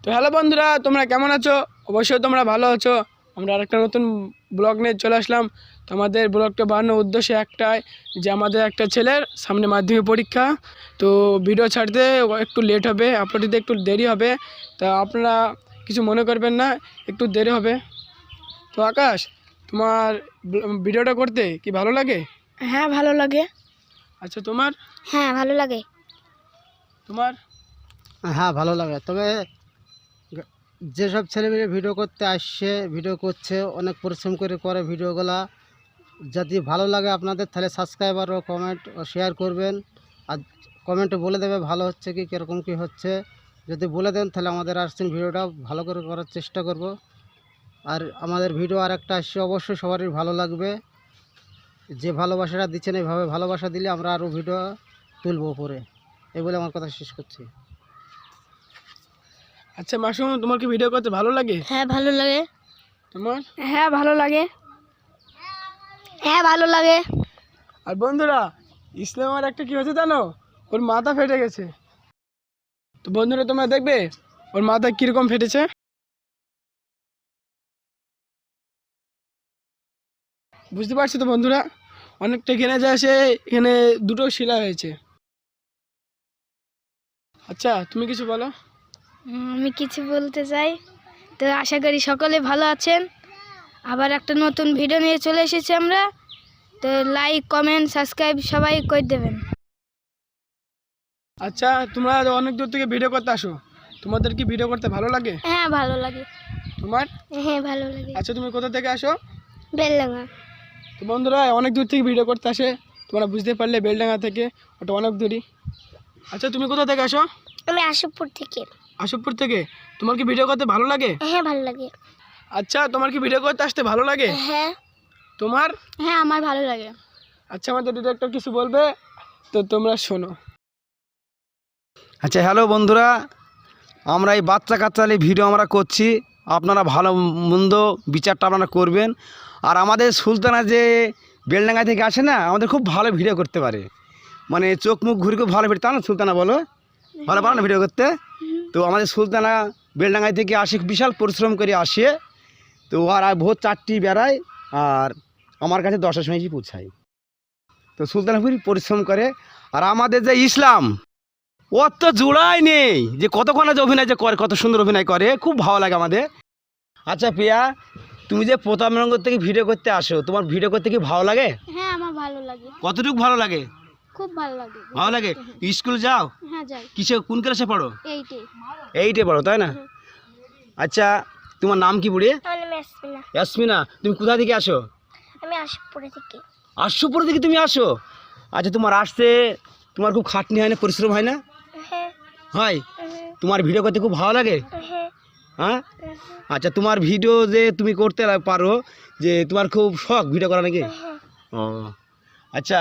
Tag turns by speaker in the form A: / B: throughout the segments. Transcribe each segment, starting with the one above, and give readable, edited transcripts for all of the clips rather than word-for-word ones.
A: তো হ্যালো বন্ধুরা, তোমরা কেমন আছো? অবশ্যই তোমরা ভালো আছো। আমরা আরেকটা নতুন ব্লগ নিয়ে চলে আসলাম। তো আমাদের ব্লগটা বানানোর উদ্দেশ্য একটাই, যে আমাদের একটা ছেলের সামনে মাধ্যমিক পরীক্ষা। তো ভিডিও ছাড়তে একটু লেট হবে, আপলোড দিতে একটু দেরি হবে। তা আপনারা কিছু মনে করবেন না, একটু দেরি হবে। তো আকাশ, তোমার ভিডিওটা করতে কি ভালো লাগে?
B: হ্যাঁ ভালো লাগে।
A: আচ্ছা, তোমার?
B: হ্যাঁ ভালো লাগে।
A: তোমার?
C: হ্যাঁ ভালো লাগে। তবে যেসব ছেলেমেয়ে ভিডিও করতে আসছে, ভিডিও করছে, অনেক পরিশ্রম করে ভিডিওগুলা, যদি ভালো লাগে আপনাদের তাহলে সাবস্ক্রাইবার ও কমেন্ট ও শেয়ার করবেন। আর কমেন্টে বলে দেবে ভালো হচ্ছে কি কীরকম কী হচ্ছে। যদি বলে দেন তাহলে আমাদের আসছেন ভিডিওটা ভালো করে করার চেষ্টা করব। আর আমাদের ভিডিও আর একটা আসছে, অবশ্যই সবারই ভালো লাগবে। যে ভালোবাসাটা দিচ্ছেন এইভাবে ভালোবাসা দিলে আমরা আরও ভিডিও তুলব পরে। এই বলে আমার কথা শেষ করছি।
A: আচ্ছা মাসুম, তোমার কি ভিডিও করতে ভালো লাগে?
B: হ্যাঁ ভালো লাগে।
A: তোমার?
B: হ্যাঁ ভালো লাগে। হ্যাঁ ভালো লাগে।
A: আর বন্ধুরা, ইসলামের একটা কি হয়েছে জানো? ওর মাথা ফেটে গেছে। তো বন্ধুরা তোমরা দেখবে ওর মাথা কিরকম ফেটেছে। বুঝতে পারছো তো বন্ধুরা? অনেকটা এখানে যায়, সে এখানে দুটো শিলা হয়েছে। আচ্ছা তুমি কিছু বলো।
B: আমি কিছু বলতে চাই। তো আশা করি সকলে ভালো আছেন। আবার একটা নতুন ভিডিও নিয়ে চলে এসেছি আমরা। তো লাইক কমেন্ট সাবস্ক্রাইব সবাই করে দেবেন।
A: আচ্ছা, তোমরা অনেক দূর থেকে ভিডিও করতে আসো, তোমাদের কি ভিডিও করতে ভালো লাগে?
B: হ্যাঁ ভালো লাগে।
A: তোমার?
B: হ্যাঁ ভালো লাগে।
A: আচ্ছা, তুমি কোথা থেকে আসো?
B: বেলডাঙ্গা।
A: তো বন্ধুরা অনেক দূর থেকে ভিডিও করতে আসে, তোমরা বুঝতে পারলে বেলডাঙ্গা থেকে, ওটা অনেক দূরই। আচ্ছা, তুমি কোথা থেকে আসো?
B: আমি আশুপুর থেকে।
A: আশুপুর থেকে। তোমার কি ভিডিও করতে ভালো লাগে?
B: হ্যাঁ ভালো লাগে।
A: আচ্ছা, তোমার কি ভিডিও করতে আসতে ভালো লাগে?
B: হ্যাঁ।
A: তোমার?
B: হ্যাঁ আমার ভালো লাগে।
A: আচ্ছা, আমাদের ডিরেক্টর কিছু বলবে, তো তোমরা শোনো।
D: আচ্ছা হ্যালো বন্ধুরা, আমরা এই বাচ্চা কাচ্চালি ভিডিও আমরা করছি, আপনারা ভালো মন্দ বিচারটা আপনারা করবেন। আর আমাদের সুলতানা যে বেলডাঙ্গা থেকে আসে না, আমাদের খুব ভালো ভিডিও করতে পারে, মানে চোখ মুখ ঘুরে খুব ভালো ভিডিও, তা না সুলতানা বলো? ভালো পারো না ভিডিও করতে? তো আমাদের সুলতানা বেলডাঙ্গায় থেকে আসে, বিশাল পরিশ্রম করে আসে। তো আর ভোর 4টি বেড়ায়, আর আমার কাছে 10টার সময় পৌঁছায়। তো সুলতানা খুবই পরিশ্রম করে। আর আমাদের যে ইসলাম, ওর তো জোড়াই নেই, যে কতক্ষণ যে অভিনয় যে করে, কত সুন্দর অভিনয় করে, খুব ভালো লাগে আমাদের। আচ্ছা প্রিয়া, তুমি যে প্রতাপনগর থেকে ভিডিও করতে আসো, তোমার ভিডিও করতে কি ভালো লাগে?
B: হ্যাঁ আমার ভালো লাগে।
D: কতটুকু ভালো লাগে?
B: খুব ভালো লাগে।
D: ভালো লাগে। স্কুল যাও?
B: হ্যাঁ যাই।
D: কিসে, কোন ক্লাসে পড়ো?
B: 8-এ।
D: 8-এ পড়ো, তাই না? আচ্ছা, তোমার নাম কি বুড়ি?
B: আমার নাম ইয়াসমিনা।
D: ইয়াসমিনা, তুমি কোথা থেকে আসো?
B: আমি আশুপুর থেকে।
D: আশুপুর থেকে তুমি আসো? আচ্ছা, তোমার আসতে তোমার খুব খাটনি হয় না, পরিশ্রম হয় না?
B: হ্যাঁ।
D: হয়। তোমার ভিডিও করতে খুব ভালো লাগে?
B: হ্যাঁ।
D: হ্যাঁ। আচ্ছা, তোমার ভিডিও যে তুমি করতে পারো, যে তোমার খুব শখ ভিডিও করা নাকি? ও আচ্ছা,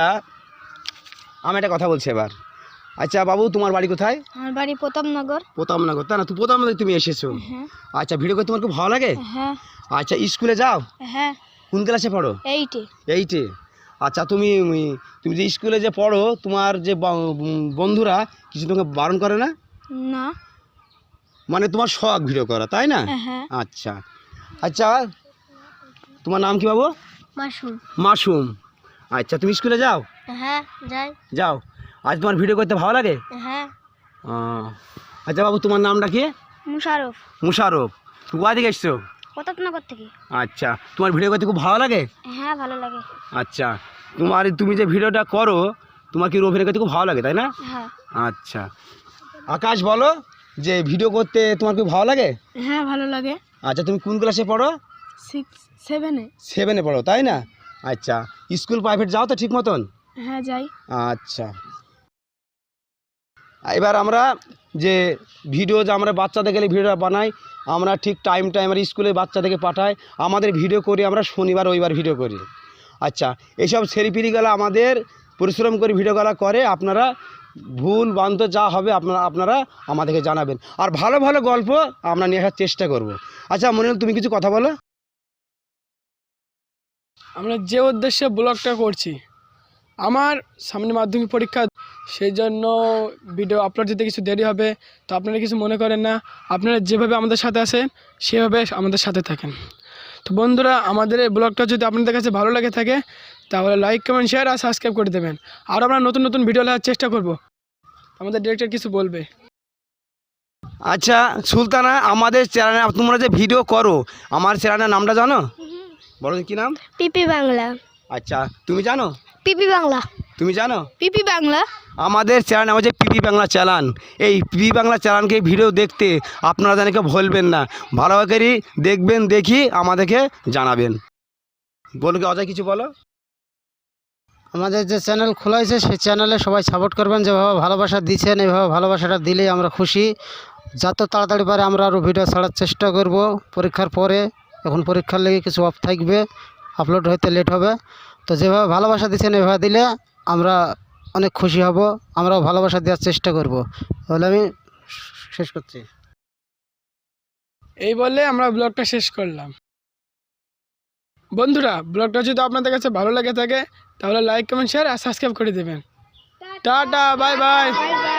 D: আমি একটা কথা বলছি এবার। আচ্ছা বাবু, তোমার বাড়ি কোথায়?
B: আমার বাড়ি প্রতাপনগর।
D: প্রতাপনগর, তাই না? তুমি প্রতাপনগর তুমি এসেছো?
B: হ্যাঁ।
D: আচ্ছা, ভিডিও করতে তোমার খুব ভালো লাগে?
B: হ্যাঁ।
D: আচ্ছা, স্কুলে যাও?
B: হ্যাঁ।
D: কোন ক্লাসে পড়ো?
B: 8-এ।
D: 8-এ। আচ্ছা, তুমি তুমি যে স্কুলে যে পড়ো, তোমার যে বন্ধুরা কিছু তোমাকে বারণ করে না?
B: না।
D: মানে তোমার শখ ভিডিও করা, তাই না?
B: হ্যাঁ।
D: আচ্ছা আচ্ছা, তোমার নাম কি বাবু?
B: মাশরুম।
D: মাসুম। আচ্ছা, তুমি স্কুলে যাও?
B: হ্যাঁ যাই।
D: যাও। আজ তোমার ভিডিও করতে ভালো লাগে?
B: হ্যাঁ।
D: আচ্ছা বাবু, তোমার নামটা কি?
B: মুশারফ।
D: মুশারফ। তুমি কোথা থেকে এসছো?
B: প্রতাপনগর থেকে।
D: আচ্ছা, তোমার ভিডিও করতে খুব ভালো লাগে?
B: হ্যাঁ ভালো লাগে।
D: আচ্ছা, তুমি যে ভিডিওটা করো, তোমার কি অভিনয় করতে খুব ভালো লাগে, তাই না?
B: হ্যাঁ।
D: আচ্ছা, আকাশ বলো, যে ভিডিও করতে তোমার খুব ভালো লাগে?
B: হ্যাঁ ভালো লাগে।
D: আচ্ছা, তুমি কোন ক্লাসে পড়ো?
B: 7-এ।
D: 7-এ পড়ো, তাই না? আচ্ছা, স্কুল প্রাইভেট যাও তো ঠিক মতন?
B: হ্যাঁ যাই।
D: আচ্ছা, এবার আমরা যে ভিডিও যে আমরা বাচ্চাদের গেলে ভিডিওটা বানাই, আমরা ঠিক টাইম আমরা স্কুলে বাচ্চাদেরকে পাঠাই, আমাদের ভিডিও করি আমরা শনিবার রবিবার ভিডিও করি। আচ্ছা, এইসব ছেলেপিলিগুলো আমাদের পরিশ্রম করে ভিডিওগুলো করে, আপনারা ভুল বান্ত যা হবে আপনারা আমাদেরকে জানাবেন। আর ভালো ভালো গল্প আমরা নিয়ে আসার চেষ্টা করব। আচ্ছা মনিরুল, তুমি কিছু কথা বলো।
A: আমরা যে উদ্দেশ্যে ব্লগটা করছি, আমার সামনে মাধ্যমিক পরীক্ষা, সেই জন্য ভিডিও আপলোড দিতে কিছু দেরি হবে। তো আপনারা কিছু মনে করেন না, আপনারা যেভাবে আমাদের সাথে আছেন সেভাবে আমাদের সাথে থাকেন। তো বন্ধুরা, আমাদের এই ব্লগটা যদি আপনাদের কাছে ভালো লাগে থাকে তাহলে লাইক কমেন্ট শেয়ার আর সাবস্ক্রাইব করে দেবেন। আর আমরা নতুন নতুন ভিডিও দেওয়ার চেষ্টা করব। আমাদের ডিরেক্টর কিছু বলবে।
D: আচ্ছা সুলতানা, আমাদের চ্যানেলে তোমরা যে ভিডিও করো, আমার চ্যানেলের নামটা জানো? বলো কি নাম?
B: পিপি বাংলা।
D: আচ্ছা তুমি জানো?
B: পিপি বাংলা।
D: তুমি জানো?
B: পিপি বাংলা।
D: আমাদের চ্যানেল আমার যে পিপি বাংলা চ্যানেল, এই পিপি বাংলা চ্যানেলকে ভিডিও দেখতে আপনারা জানাকে ভুলবেন না। ভালো করে দেখবেন, দেখি আমাদেরকে জানাবেন। বলো কি অজয় কিছু বলো?
C: আমাদের যে চ্যানেল খোলা হয়েছে সেই চ্যানেলে সবাই সাপোর্ট করবেন। যেভাবে ভালোবাসা দিচ্ছেন এইভাবে ভালোবাসাটা দিলেই আমরা খুশি। যত তাড়াতাড়ি পারে আমরা আরও ভিডিও ছাড়ার চেষ্টা করব পরীক্ষার পরে। এখন পরীক্ষার লেগে কিছু অফ থাকবে, আপলোড হইতে লেট হবে। তো যেভাবে ভালোবাসা দিচ্ছেন এভাবে দিলে আমরা অনেক খুশি হব। আমরাও ভালোবাসা দেওয়ার চেষ্টা করব। তাহলে আমি শেষ করছি।
A: এই বলে আমরা ব্লগটা শেষ করলাম। বন্ধুরা, ব্লগটা যদি আপনাদের কাছে ভালো লাগে থাকে তাহলে লাইক কমেন্ট শেয়ার আর সাবস্ক্রাইব করে দেবেন। Tata, bye by.